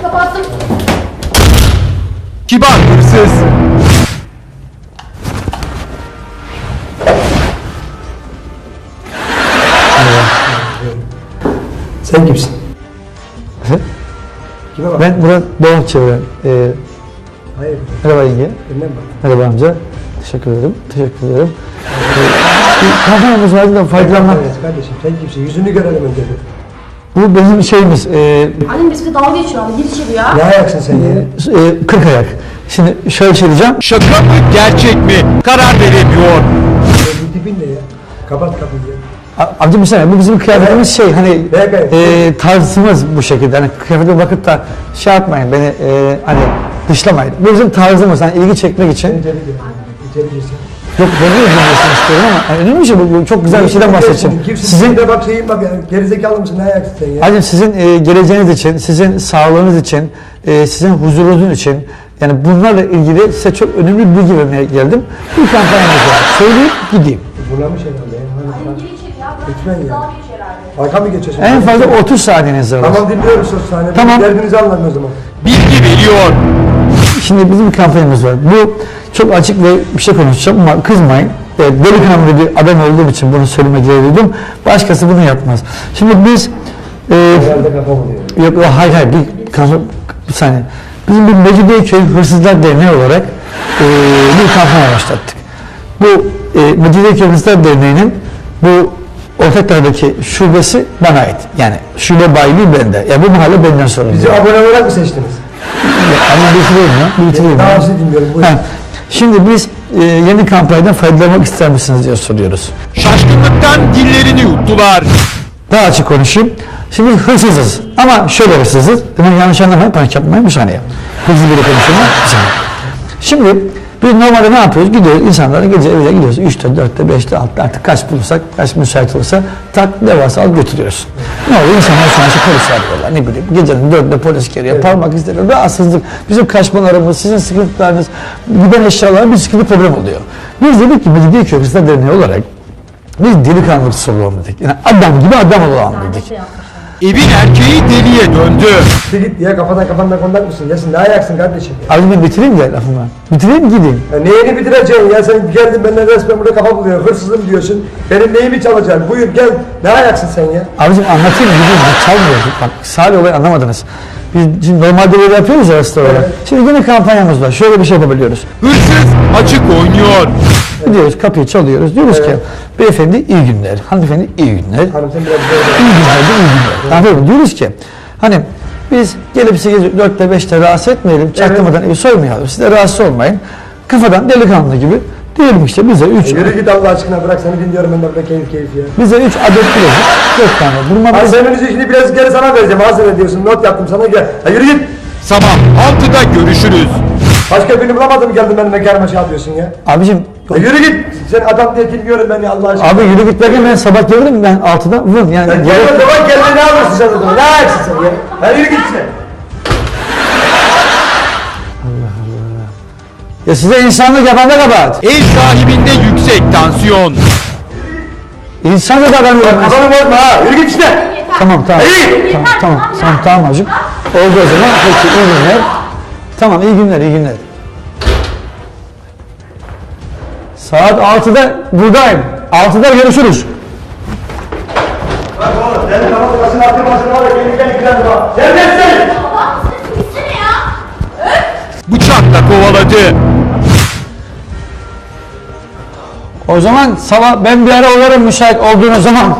kapattım. Kibar hırsız. Sen kimsin? Kime bak? Ben Murat Doğan Çevren. Hayır. Merhaba yenge. Bilmem bak. Merhaba amca. Teşekkür ederim. Teşekkür ederim. Bir kampanyamız vardı da faydalanmak. Evet kardeşim sen kimsin? Yüzünü görelim önce bir. Bu bizim şeyimiz. Annem bizimle dalga geçiyor abi. Gir içeri ya. Ne ayaksın sen ya? 40 ayak. Şimdi şöyle şey diyeceğim. Şaka mı gerçek mi? Karar veremiyor. Bu tipin ne ya? Kapat kapıyı ya. Amca bir saniye, bu bizim kıyafetimiz şey hani Evet. tarzımız bu şekilde. Hani kıyafete bakıp da şey yapmayın beni hani dışlamayın. Bu bizim tarzımız hani ilgi çekmek için. İçeri gir. İçeri girsin. Yok ben de ilgilenmesini istiyorum ama yani önemli bir şey bu çok güzel bir şeyden bahsedeceğim. Sizin de bak şeyin bak ya. Gerizekalı mısın? Ne ayaksın sen ya? Hacım sizin geleceğiniz için, sizin sağlığınız için, sizin huzurunuz için yani bunlarla ilgili size çok önemli bir bilgi vermeye geldim. Bir kampanyamız var. Söyleyip gideyim. Bulamış herhalde ya. Annem gir içeri ya. Bırak Lütfen bizi ya. dalga geçiyor herhalde. Arka mı geçiyorsun? En fazla 30 saniyeniz var. Tamam dinliyoruz o sahne. Tamam. Derdinizi anlatın o zaman. Bilgi veriyor. Şimdi bizim bir kampanyamız var. Bu çok açık ve bir şey konuşacağım ama kızmayın. Delikanlı bir adam olduğum için bunu söyleme gereği duydum. Başkası bunu yapmaz. Şimdi biz Herhalde kafam oluyor. yok hayır bir saniye. Bizim bir Mecidiyeköy Hırsızlar Derneği olarak bir kampanya başlattık. Bu Mecidiyeköy Hırsızlar Derneği'nin bu Ortaklar'daki şubesi bana ait. Yani şube bayiliği bende. Ya bu mahalle benden sorumlu. Bizi abone olarak mı seçtiniz? Ama bitireyim ya. Bitireyim Daha ya. sizi dinliyorum. Buyurun. Ha, şimdi biz yeni kampanyadan faydalanmak ister misiniz diye soruyoruz. Şaşkınlıktan dillerini yuttular. Daha açık konuşayım. Şimdi hırsızız ama şöyle hırsızız. Hemen yanlış anlamayın, panik yapmayın bir saniye. Hızlı bir konuşayım bir saniye. Şimdi biz normalde ne yapıyoruz? Gidiyoruz insanlara gece evine gidiyoruz. 3'te, 4'te, 5'te, 6'da artık kaç bulursak, kaç müsait olursa tak ne varsa alıp götürüyoruz. Ne oluyor? İnsanlar şu an işte polis arıyorlar. Ne bileyim gecenin 4'de polis geliyor. Parmak izleri, rahatsızlık. Bizim kaçmalarımız, sizin sıkıntılarınız, giden eşyalar bir sıkıntı problem oluyor. Biz dedik ki Mecidiyeköy Hırsızlar Derneği olarak biz delikanlı hırsız olalım dedik. Yani adam gibi adam olalım dedik. Evin erkeği deliye döndü. Git ya kafadan kondak mısın? Ya sen ne ayaksın kardeşim ya? Abi ben bitireyim de lafımı. Bitireyim gideyim. Ya neyini bitireceksin ya? Sen geldin benden resmen burada kafa buluyor. Hırsızım diyorsun. Benim neyimi çalacaksın? Buyur gel. Ne ayaksın sen ya? Abicim anlatayım gideyim. Ben çalmıyorum. Bak Salih olayı anlamadınız. Biz şimdi normalde böyle yapıyoruz ya aslında olarak. Şimdi yine kampanyamız var. Şöyle bir şey yapabiliyoruz. Hırsız açık oynuyor. Gidiyoruz kapıyı çalıyoruz. Diyoruz ki beyefendi iyi günler. Hanımefendi iyi günler. Hanım sen biraz böyle. İyi günler de iyi günler. Anladın mı? Diyoruz ki hani biz gelip sizi 4'te 5'te rahatsız etmeyelim. Çaktırmadan evi soymayalım. Siz de rahatsız olmayın. Kafadan delikanlı gibi diyelim işte bize 3 Yürü git Allah aşkına bırak seni dinliyorum ben de burada keyif ya. bize 3 adet bilezik 4 tane vurma Ay bilezik. senin şimdi biraz geri sana vereceğim. Hazır ediyorsun. Not yaptım sana gel. Ha yürü git. Sabah 6'da görüşürüz. Başka birini bulamadım geldin benim mekanıma şey yapıyorsun ya. Abicim Ha yürü git. Sen adam diye dinliyorum beni Allah aşkına. abi yürü git derken ben sabah gelirim ben 6'da vurun yani. Sen gel o zaman kendine ne yapıyorsun sen o zaman? Ne ayaksın sen ya? Ha yürü git sen. Ya size insanlık yapan da kabahat. Ev sahibinde yüksek tansiyon. İnsanlık davranıyorum. Kafanı bozma ha. Yürü git işte. Tamam Hey! tamam hacım. Oldu o zaman. Peki iyi günler. Tamam iyi günler. Saat 6'da buradayım. 6'da görüşürüz. Bak oğlum senin kafanı başına attırmasın var ya kendi kendine bak. Neredesin? Baba sen gitsene ya. Bıçakla kovaladı. O zaman sabah ben bir ara uğrarım müsait olduğunuz zaman.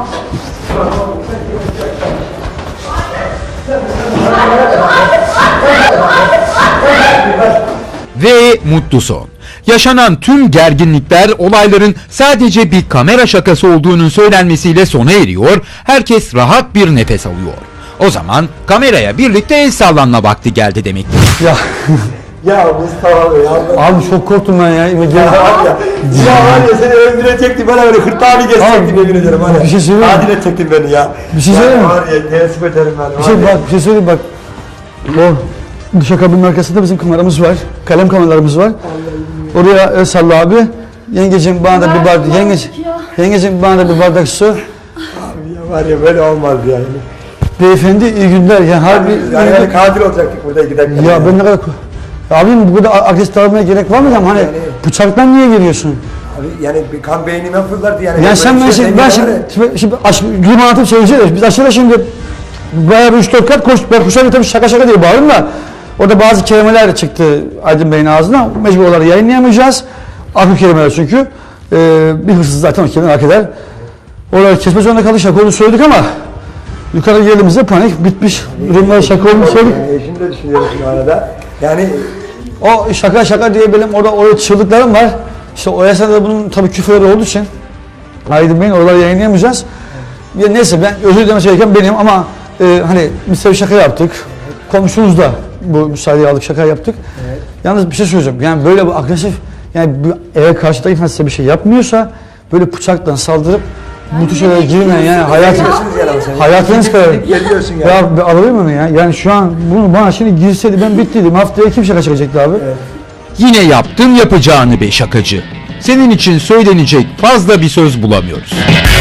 Ve mutlu son. Yaşanan tüm gerginlikler olayların sadece bir kamera şakası olduğunun söylenmesiyle sona eriyor, herkes rahat bir nefes alıyor. O zaman kameraya birlikte el sallanma vakti geldi demektir. Ya Ya Mustafa ya. abi çok korktum ben ya. Ya var ya seni öldürecektim bana böyle hırtağını geçecektim yemin ederim hani. Bir şey söyleyeyim mi? Adil edecektin beni ya. Bir şey söyleyeyim mi? Var ya teessüf ederim ben. Bir şey söyleyeyim bak. O dış kabinin arkasında bizim kameramız var. Kalem kameralarımız var. Oraya el salla abi. Yengeciğim bana da bir bardak yengeciğim bana da bir bardak su. Abi ya var ya böyle olmaz yani. Beyefendi iyi günler. Yani harbi... Yani katil olacaktık burada giderken. Ya ben ne kadar... Abim bu kadar agresif davranmaya gerek var mı? Hani Yani- bıçaktan niye giriyorsun? Abi yani bir kan beynime fırlardı yani. Ya sen ben gülüm anlatıp söyleyeceğiz. Biz aşağıda şimdi bayağı bir 3-4 kat ben koşarken tabii şaka diye bağırdım da orada bazı kelimeler çıktı Aydın Bey'in ağzına. Mecbur olarak yayınlayamayacağız. Akıl kelimeler çünkü. Bir hırsız zaten o kelimeyi hak eder. Oraları kesme zorunda kaldık, şaka olduğunu söyledik ama yukarı geldiğimizde panik bitmiş. Durumlar şaka olduğunu söyledik. Yani eşini de düşünüyorum şu arada. Yani O şaka diye benim orada çığlıklarım var. İşte o esnada bunun tabii küfürleri olduğu için Aydın Bey'in oraları yayınlayamayacağız. Ya neyse ben özür dilemesi gereken benim ama hani biz tabii şaka yaptık. Komşumuz da bu müsaadeyi aldık, şaka yaptık. Evet. Yalnız bir şey söyleyeceğim. Yani böyle bu agresif, yani bu eve karşıdaki insan size bir şey yapmıyorsa böyle bıçakla saldırıp bu tür şeylere girmeyin yani hayatınız kadar. geliyorsun yani. Ya bir alayım onu ya. Yani şu an bunu bana şimdi girseydi ben bittiydim. Haftaya kim şaka çekecekti abi? Evet. Yine yaptın yapacağını be şakacı. Senin için söylenecek fazla bir söz bulamıyoruz.